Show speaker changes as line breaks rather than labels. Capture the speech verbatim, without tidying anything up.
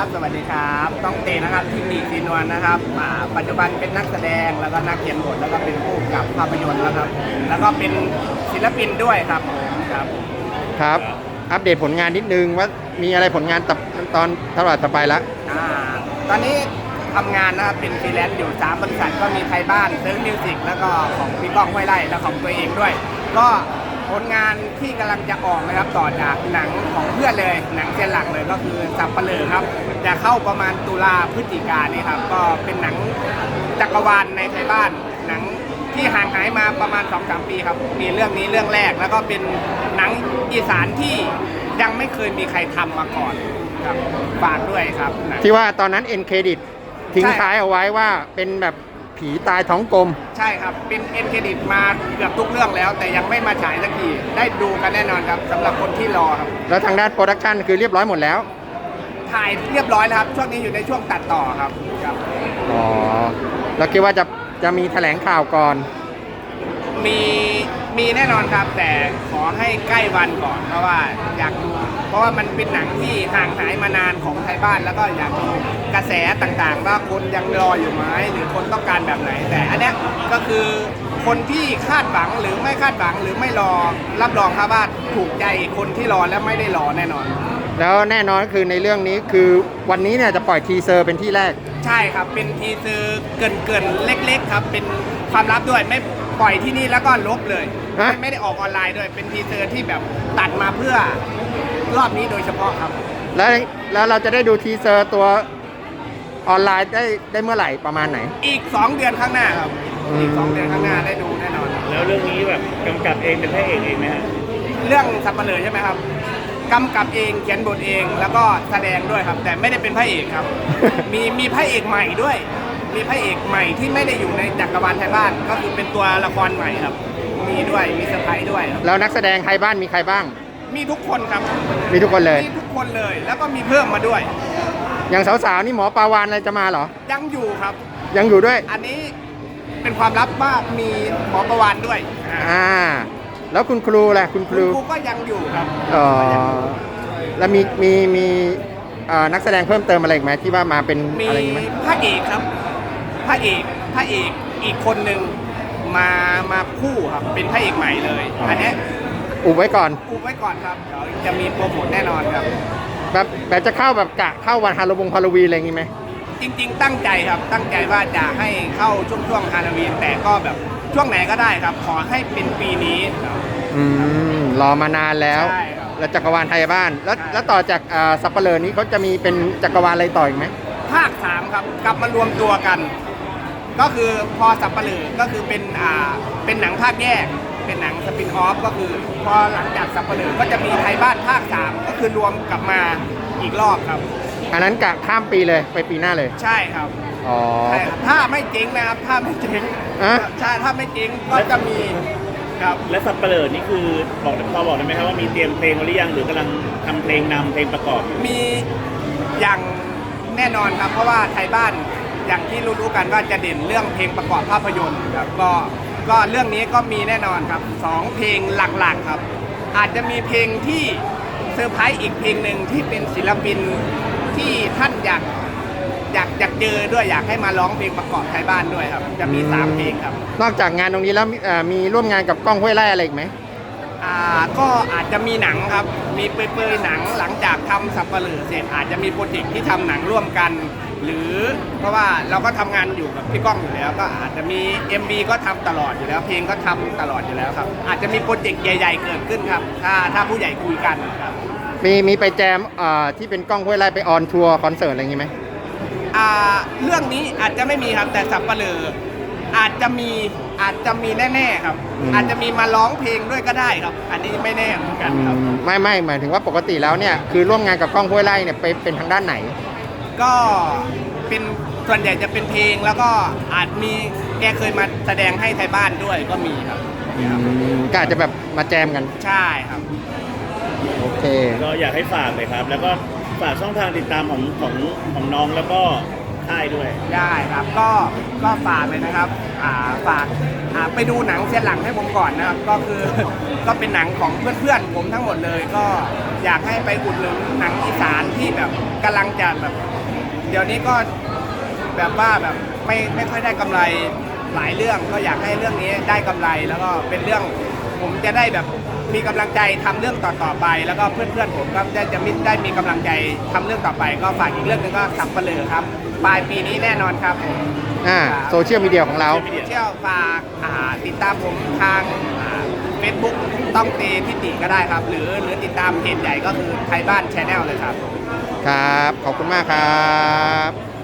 สวัสดีครับต้องเตนะครับที่ดีซีนวลนะครับอ่าปัจจุบันเป็นนักแสดงแล้วก็นักเขียนบทแล้วก็เป็นผู้กำกับภาพยนตร์นะครับแล้วก็เป็นศิลปินด้วยครับครับ
ครับอัปเดตผลงานนิดนึงว่ามีอะไรผลงานตับตอนเท่าไหร่ต่อไปละ
อ่าตอนนี้ทำงานนะครับเป็นฟรีแลนซ์อยู่สามบริษัทก็มีไทยบ้านเซิร์ฟมิวสิกแล้วก็ของพี่ก้องห้วยไร่และของตัวเองด้วยก็ผลงานที่กำลังจะออกนะครับต่อจากหนังของเพื่อนเลยหนังเซียนหลักเลยก็คือสับปะเลอครับจะเข้าประมาณตุลาพฤศจิกายนนี่ครับก็เป็นหนังจักรวาลในไทยบ้านหนังที่ห่างหายมาประมาณ สองถึงสาม ปีครับมีเรื่องนี้เรื่องแรกแล้วก็เป็นหนังอีสานที่ยังไม่เคยมีใครทำมาก่อนครับฝากด้วยครับ
ที่ว่าตอนนั้นเอ็นเครดิตทิ้งท้ายเอาไว้ว่าเป็นแบบผีตายท้องกลม
ใช่ครับเป็นเอ็นเครดิตมาเกือบทุกเรื่องแล้วแต่ยังไม่มาฉายสักทีได้ดูกันแน่นอนครับสำหรับคนที่รอครับ
แล้วทางด้านโปรดักชันคือเรียบร้อยหมดแล้ว
ถ่ายเรียบร้อยแล้วครับช่วงนี้อยู่ในช่วงตัดต่อครับครับ
อ๋อแล้วคิดว่าจะจะมีแถลงข่าวก่อน
มีมีแน่นอนครับแต่ขอให้ใกล้วันก่อนเพราะว่าอยากดูเพราะว่ามันเป็นหนังที่ห่างหายมานานของไทยบ้านแล้วก็อยากดูกระแสต่างๆว่าคนยังรออยู่ไหมหรือคนต้องการแบบไหนแต่อันเนี้ยก็คือคนที่คาดหวังหรือไม่คาดหวังหรือไม่รอรับรองครับว่าถูกใจคนที่รอและไม่ได้รอแน่นอน
แล้วแน่นอนคือในเรื่องนี้คือวันนี้เนี่ยจะปล่อยทีเซอร์เป็นที่แรก
ใช่ครับเป็นทีเซอร์เกินๆเล็กๆครับเป็นความลับด้วยไม่ปล่อยที่นี่แล้วก็ลบเลยไม่ไม่ได้ออกออนไลน์ด้วยเป็นทีเซอร์ที่แบบตัดมาเพื่อรอบนี้โดยเฉพาะครับ
แล้วแล้วเราจะได้ดูทีเซอร์ตัวออนไลน์ได้ได้เมื่อไหร่ประมาณไหน
อีกสองเดือนข้างหน้าครับอีกสองเดือนข้างหน้าได้ดูแน่นอน
แล้วเรื่องนี้แบบกำกับเองเป็นพระเอกเองไหมฮะ
เรื่องสับปะเลอใช่ไหมครับกำกับเองเขียนบทเองแล้วก็แสดงด้วยครับแต่ไม่ได้เป็นพระเอกครับ มีมีพระเอกใหม่ด้วยมีพระเอกใหม่ที่ไม่ได้อยู่ในจักรวาลไทยบ้านก็คือเป็นตัวละครใหม่ครับมีด้วยมีเซอร์ไพรส์ด้วย
แล้วนักแสดงไทยบ้านมีใครบ้าง
มีทุกคนครับ
มีทุกคนเลย
มีทุกคนเลยแล้วก็มีเพิ่มมาด้วย
อย่างสาวๆนี่หมอปาวานอะไรจะมาเหรอ
ยังอยู่ครับ
ยังอยู่ด้วย
อันนี้เป็นความลับว่ามีหมอประวานด้วย
อ่าแล้วคุณครูล่ะคุณครู
ครูก็ยังอยู่ครับ
อ๋อแล้วมีมีมีนักแสดงเพิ่มเติมอะไรอีกไหมที่ว่ามาเป็นอะไรอย่าง
งี้
ไหม
พระเอกครับพระเอกพระเอกอีกคนหนึ่งมามาคู่ครับเป็นพระเอกใหม่เลยอันนี้
อุบไว้ก่อน
อุบไว้ก่อนครับเดี๋ยวจะมีโปรโมทแน่นอนครับ
แบบแบบจะเข้าแบบกะเข้าวันฮาโลวีนฮาโลวีนอะไรอย่างงี้ไหม
จริงๆตั้งใจครับตั้งใจว่าจะให้เข้าช่วงช่วงฮาโลวีนแต่ก็แบบช่วงไหนก็ได้ครับขอให้เป็นปีนี้
อืมรอมานานแล้วแล้วจักรวาลไทยบ้านแล้วแล้วต่อจากสัปเหร่อนี้เขาจะมีเป็นจักรวาลอะไรต่ออีกไหม
ภาคสามครับกลับมารวมตัวกันก็คือพอสัปเหร่อก็คือเป็นอ่าเป็นหนังภาคแยกเป็นหนังสปินออฟก็คือพอหลังจากสัปเหร่อก็จะมีไทยบ้านภาคสามก็คือรวมกลับมาอีกรอบครับ
อันนั้นกะข้ามปีเลยไปปีหน้าเลย
ใช่ครับ
อ๋อ
ถ้าไม่จริงนะครับถ้าไม่จริงใช่ถ้าไม่จริงก็จะมีครับ
และสัปเหร่อนี่คือบอกพอบอกได้ไหมครับว่ามีเตรียมเพลงหรือยังหรือกำลังทำเพลงนำเพลงประกอบ
มีอย่างแน่นอนครับเพราะว่าไทยบ้านอย่างที่รู้ๆกันว่าจะเด่นเรื่องเพลงประกอบภาพยนตร์ครับก็ก็เรื่องนี้ก็มีแน่นอนครับสองเพลงหลักๆครับอาจจะมีเพลงที่เซอร์ไพรส์อีกเพลงหนึ่งที่เป็นศิลปินที่ท่านอยากอยากอยากเจอด้วยอยากให้มาร้องเพลงประกอบไทยบ้านด้วยครับจะมีสามเพลงครับ
นอกจากงานตรงนี้แล้วมีร่วมงานกับก้องห้วยไร่อะไรอีกไหม
อ่าก็อาจจะมีหนังครับมีเปรยๆหนังหลังจากทำสับปะเหร่อเสร็จอาจจะมีโปรเจกต์ที่ทำหนังร่วมกันหรือเพราะว่าเราก็ทำงานอยู่กับพี่ก้องอยู่แล้วก็อาจจะมี เอ็ม วี ก็ทำตลอดอยู่แล้วเพลงก็ทำตลอดอยู่แล้วครับอาจจะมีโปรเจกต์ใหญ่ๆเกิดขึ้นครับถ้าถ้าผู้ใหญ่คุยกันครับ
มีมีไปแจมที่เป็นก้องห้วยไร่ไปออนทัวร์คอนเสิร์ตอะไรอย่างงี้ไหม
อ่าเรื่องนี้อาจจะไม่มีครับแต่สับปะเหร่ออาจจะมีอาจจะมีแน่ๆครับอาจจะมีมาร้องเพลงด้วยก็ได้ครับอันนี้ไม่แน่เหมือนกันครับ
ไม่ไม่หมายถึงว่าปกติแล้วเนี่ยคือร่วมงานกับก้องห้วยไร่เนี่ยไปเป็นทางด้านไหน
ก็เป็นส่วนใหญ่จะเป็นเพลงแล้วก็อาจมีแกเคยมาแสดงให้ไทยบ้านด้วยก็มีครับ
ก็อาจจะแบบมาแจมกัน
ใช่ครับ
โอเค
ก็อยากให้ฝากเลยครับแล้วก็ฝากช่องทางติดตามของของของน้องแล้วก็ค่ายด้วย
ได้ครับก็ก็ฝากเลยนะครับอ่าฝากอ่าไปดูหนังเสียหลังให้ผมก่อนนะครับก็คือก็เป็นหนังของเพื่อนๆผมทั้งหมดเลยก็อยากให้ไปอุดหนุนหนังอีสานที่แบบกำลังจะแบบเดี๋ยวนี้ก็แบบว่าแบบไม่ไม่ค่อยได้กำไรหลายเรื่องก็อยากให้เรื่องนี้ได้กำไรแล้วก็เป็นเรื่องผมจะได้แบบมีกำลังใจทำเรื่องต่อๆไป แล้วก็เพื่อนๆผมก็จะจะมิได้มีกำลังใจทำเรื่องต่อไป ก็ฝากอีกเรื่องหนึงก็สับเปลือครับปลายปีนี้แน่นอนครับผม
อ่าโซเชียลมีเดียของเรา
โซเชียลฝากอ่าติดตามผมทางเฟซบุ๊กต้องเตทิติก็ได้ครับ หรือหรือติดตามเพจใหญ่ก็คือไทยบ้านชาแนลเลยครับ
ครับ ขอบคุณมากครับ